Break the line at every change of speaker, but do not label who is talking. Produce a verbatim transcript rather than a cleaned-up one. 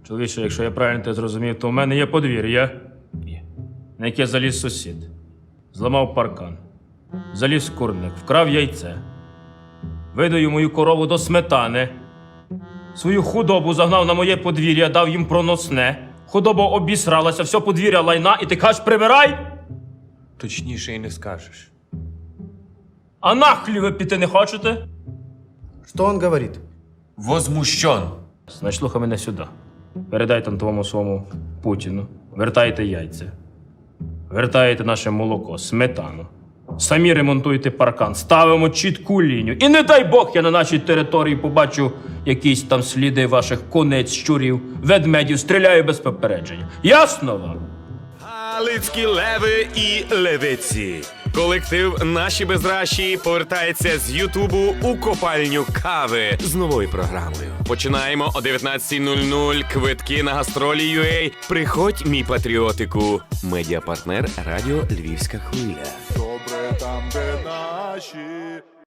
Чоловіче, якщо я правильно те зрозумів, то в мене є подвір'я, на яке заліз сусід. Зламав паркан, заліз в курник, вкрав яйце. Видаю мою корову до сметани. Свою худобу загнав на моє подвір'я, дав їм проносне. Худоба обісралася, все подвір'я лайна, і ти кажеш, прибирай?
Точніше і не скажеш.
А на хлів ви піти не хочете?
Что он говорит?
Возмущен.
Значить, слухай мене сюди. Передай там твому своєму Путіну. Вертайте яйця. Вертаєте наше молоко, сметану. Самі ремонтуйте паркан, ставимо чітку лінію. І не дай Бог, я на нашій території побачу якісь там сліди ваших конець, щурів, ведмедів, стріляю без попередження. Ясно вам?
Галицькі леви і левиці. Колектив «Наші безращі» повертається з Ютубу у копальню кави з новою програмою. Починаємо о дев'ятнадцятій нуль нуль. Квитки на гастролі ю ей. Приходь, мій патріотику. Медіапартнер радіо «Львівська хвиля».
Добре там, де наші.